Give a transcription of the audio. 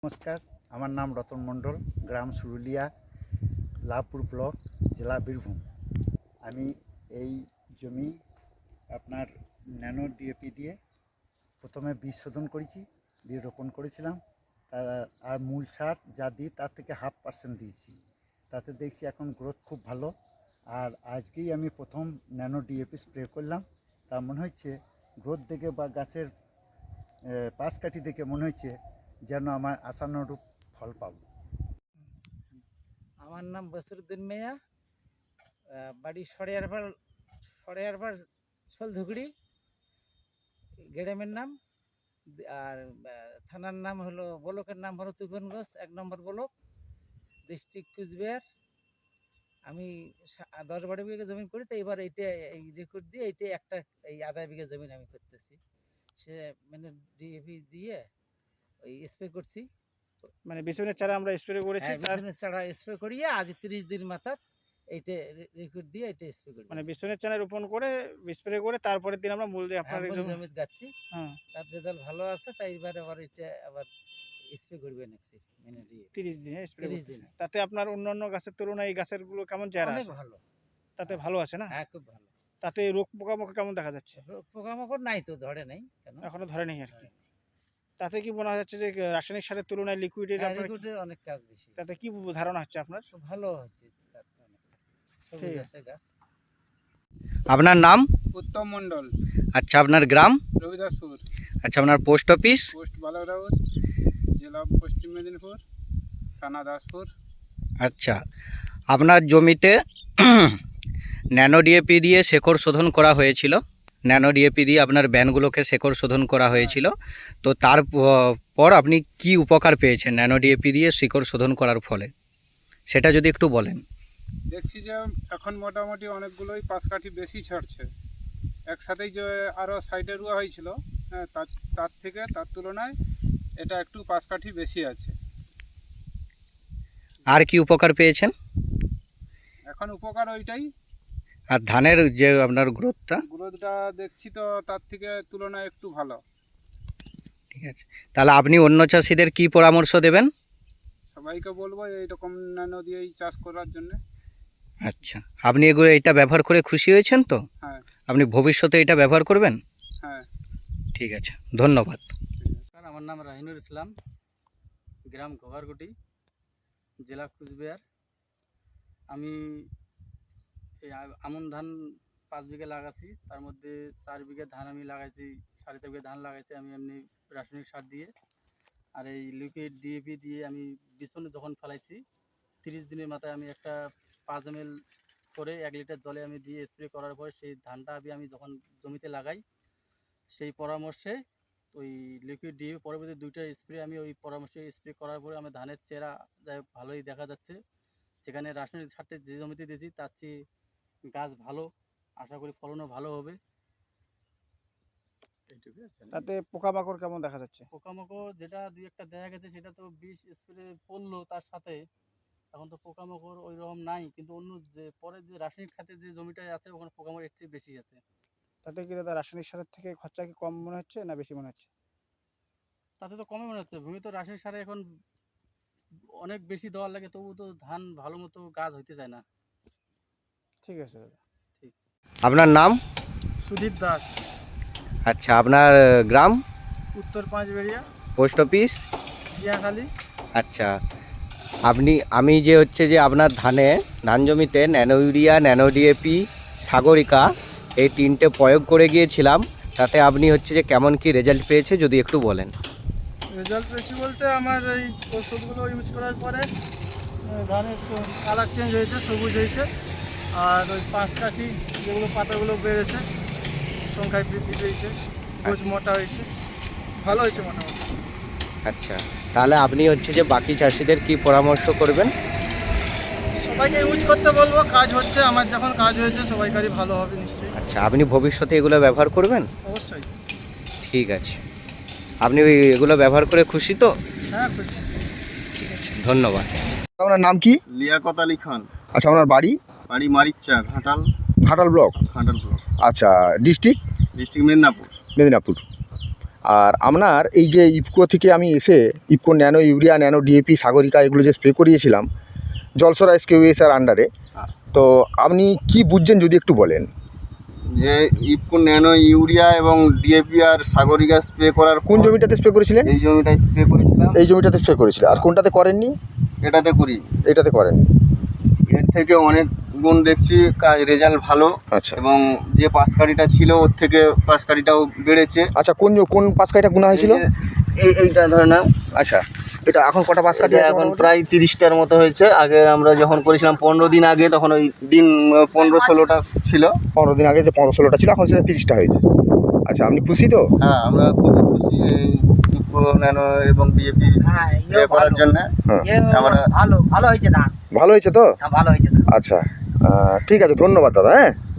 নমস্কার, আমার নাম রতন মণ্ডল, গ্রাম সুরুলিয়া, লাভপুর ব্লক, জেলা বীরভূম। আমি এই জমি আপনার ন্যানো ডিএপি দিয়ে প্রথমে বীজ শোধন করেছি, দিয়ে রোপণ করেছিলাম। আর মূল সার যা দিই তার থেকে 0.5% দিয়েছি। তাতে দেখছি এখন গ্রোথ খুব ভালো। আর আজকেই আমি প্রথম ন্যানো ডিএপি স্প্রে করলাম। তা মনে হচ্ছে গ্রোথ দেখে বা গাছের পাশ কাঠি দেখে মনে হচ্ছে যেন আমার আশানুরূপ ফল পাব। আমার নাম বসিরউদ্দিন মিয়া, বাড়ি সরেয়ারপাড় শোলধুগড়ি, গ্রামের নাম। আর থানার নাম হলো, ব্লকের নাম হলো তুফানগঞ্জ 1 নম্বর ব্লক, ডিস্ট্রিক্ট কুচবিহার। আমি 10-12 বিঘা জমি করি, তো এবার এইটা এই রেকর্ড দিয়ে এইটা একটা এই আধা বিঘা জমি আমি করতেছি। সে মানে ডিএপি দিয়ে ওই স্প্রে করছি। মানে বিছুনের চারা আমরা স্প্রে করেছি, হ্যাঁ, বিছুনের চারা স্প্রে করিয়ে আজ 30 দিন মাথার এইটা রেকর্ড দিয়ে এইটা স্প্রে করি। মানে বিছুনের চারা রোপণ করে স্প্রে করে তারপরের দিন আমরা মূল দিয়ে আপনার জমিতে যাচ্ছি। হ্যাঁ, তার রেজাল্ট ভালো আছে, তাই এবারে আবার এটা আবার স্প্রে করবে নেক্সট মানে 30 দিনে স্প্রে 30 করতে। দিনে। তাতে আপনার অন্যান্য গাছের তুলনায় এই গাছের গুলো কেমন চেহারা অনেক আছে? ভালো। তাতে ভালো আছে না? হ্যাঁ, খুব ভালো। তাতে রোগ পোকামাকড় কেমন দেখা যাচ্ছে? পোকামাকড় নাই তো, ধরে নাই কেন, এখনো ধরে নেই আর কি। তাতে কি মনে হচ্ছে যে রাসায়নিক সারের তুলনায় লিকুইডের আপনার রেকর্ডের অনেক কাজ বেশি। তাতে কি ধারণা হচ্ছে আপনার? খুব ভালো আছে, সবুজ আছে গাছ। আপনার নাম? উত্তম মণ্ডল। আচ্ছা, আপনার গ্রাম? রবিদাসপুর। আচ্ছা, আপনার পোস্ট অফিস? পোস্ট বালারাউত, জেলা পশ্চিম মেদিনীপুর, থানা দাসপুর। আচ্ছা, আপনার জমিতে ন্যানো ডিএপি দিয়ে শেকড় শোধন করা হয়েছিল। ন্যানো ডিএপি দিয়ে আপনার ব্যানগুলোকে শেকড় শোধন করা হয়েছিল। তো তারপর আপনি কি উপকার পেয়েছেন ন্যানো ডিএপি দিয়ে শিকড় শোধন করার ফলে, সেটা যদি একটু বলেন। দেখছি যে এখন মোটামুটি অনেকগুলোই পাশকাঠি বেশি ছাড়ছে। একসাথেই যে আরও সাইডে রুয়া হয়েছিল, হ্যাঁ, তার তুলনায় এটা একটু পাশকাঠি বেশি আছে। আর কি উপকার পেয়েছেন? এখন উপকার ওইটাই। আর ধানের যে আপনার গ্রোথটা দেখছি তো তার থেকে তুলনায় একটু ভালো। ঠিক আছে, তাহলে আপনি অন্য চাষিদের কি পরামর্শ দেবেন? সবাইকে বলবো এইরকম ন্যানো দিয়েই চাষ করার জন্য। আচ্ছা, আপনি এটা ব্যবহার করে খুশি হয়েছেন তো? হ্যাঁ। আপনি ভবিষ্যতে এটা ব্যবহার করবেন? হ্যাঁ, ঠিক আছে, ধন্যবাদ। আমার নাম রাহিনুর ইসলাম, গ্রাম ঘোঘারকুটি, জেলা কুচবিহার। আমি এই আমন ধান 5 বিঘা লাগাইছি, তার মধ্যে 4 বিঘা ধান আমি লাগাইছি, 4.5 বিঘা ধান লাগাইছি আমি এমনি রাসায়নিক সার দিয়ে। আর এই লিকুইড ডিএপি দিয়ে আমি বিছনে যখন ফেলাইছি, 30 দিনের মাথায় আমি একটা 5 ml করে 1 লিটার জলে আমি দিয়ে স্প্রে করার পরে সেই ধানটা আমি যখন জমিতে লাগাই, সেই পরামর্শে ওই লিকুইড ডিএপি পরবর্তী 2টা স্প্রে আমি ওই পরামর্শে স্প্রে করার পরে আমার ধানের চেহারা ভালোই দেখা যাচ্ছে। সেখানে রাসায়নিক সারটা যে জমিতে দিয়েছি তার চেয়ে গাছ ভালো, আশা করি ফলনও ভালো হবে। তাতে পোকামাকড় কেমন দেখা যাচ্ছে? পোকামাকড় যেটা 2-1টা দেখা গেছে, সেটা তো বিষ স্প্রে পড়লো তার সাথে, এখন তো পোকামাকড় ওই রকম নাই। কিন্তু অন্য যে পরে যে রাসায়নিক খাতে যে জমিটায় আছে, ওখানে পোকামাকড় এর চেয়ে বেশি আছে। তাতে কি দাদা রাসায়নিক সারের থেকে খরচা কি কম মনে হচ্ছে না বেশি মনে হচ্ছে? তাতে তো কমে মনে হচ্ছে। ভূমি তো রাসায়নিক সারে এখন অনেক বেশি দেওয়ার লাগে, তবু তো ধান ভালো মতো গাছ হইতে চায় না। ঠিক আছে দাদা। ঠিক। আপনার নাম? সুদীপ দাস, আচ্ছা, আপনার গ্রাম? উত্তর পাঁচবেড়িয়া, পোস্ট অফিস? জিয়াখালী। আচ্ছা, আমি যে আপনার ধান জমিতে nano urea, nano DAP, Sagarika এই 3টে প্রয়োগ করে গিয়েছিলাম। তাতে আপনি যে কেমন কি রেজাল্ট পেয়েছে যদি একটু বলেন। রেজাল্ট পেয়েছি বলতে আমার এই ওষুধগুলো ইউজ করার পরে ধানের কালার চেঞ্জ হয়েছে, সবুজ হয়েছে। আর ওই পাশকাঠি যেগুলো পাতাগুলো বেড়েছে, সংখ্যায় বৃদ্ধি পেয়েছে, গোছ মোটা হয়েছে, ভালো হয়েছে মোটামুটি। আচ্ছা, তাহলে আপনি যে বাকি চাষিদের কি পরামর্শ করবেন? সবাইকে ইউজ করতে বলবো, কাজ হচ্ছে, আমার যখন কাজ হয়েছে সবাইকারই ভালো হবে নিশ্চয়ই। আচ্ছা, আপনি ভবিষ্যতে এগুলো ব্যবহার করবেন? অবশ্যই। ঠিক আছে, আপনি এগুলো ব্যবহার করে খুশি তো? হ্যাঁ, খুশি। ঠিক আছে, ধন্যবাদ। আপনার নাম কি? লিয়াকত আলী খান। আচ্ছা, আপনার বাড়ি? বাড়ি মারিচ্চা, ঘাটাল ঘাটাল ব্লক। ঘাটাল ব্লক, আচ্ছা, ডিস্ট্রিক্ট? ডিস্ট্রিক্ট মেদিনীপুর। মেদিনীপুর। আর আপনার এই যে ইফকো থেকে আমি এসে IFFCO nano urea nano DAP Sagarika এগুলো যে স্প্রে করিয়েছিলাম জলসরা SKUSR আন্ডারে, তো আপনি কি বুঝছেন যদি একটু বলেন। যে ইফকো ন্যানো ইউরিয়া এবং ডিএপি আর সাগরিকা স্প্রে করার কোন জমিটাতে স্প্রে করেছিলেন? এই জমিটায় স্প্রে করেছিলাম। এই জমিটাতে স্প্রে করেছিলেন, আর কোনটাতে করেননি? এটাতে করি। এটাতে করেননি। এর থেকে অনেক গুণ দেখছি, কাজ রেজাল্ট ভালো। আচ্ছা এবং যে পাঁচকাঠিটা ছিল ওর থেকে পাঁচকাঠিটাও বেড়েছে। আচ্ছা, কোন পাঁচ কাঠিটা গুণা হয়েছিল? এইটা ধরে না, আচ্ছা, এটা এখন কটা পাঁচ কাঠি এটা আছে এখন মোটামুটি? প্রায় 30টার মতো হয়েছে। আগে আমরা যখন করেছিলাম 15 দিন আগে, তখন ওই দিন 15-16টা ছিল। 15 দিন আগে যে 15-16টা ছিল, এখন সেটা 30টা হয়েছে। আচ্ছা, আপনি খুশি তো? হ্যাঁ, আমরা খুবই খুশি এই ইফকো ন্যানো এবং ডিএপি স্প্রে করার জন্য। আমরা ভালো হয়েছে তো? ভালো হয়েছে। আচ্ছা, ঠিক আছে, ধন্যবাদ দাদা। হ্যাঁ।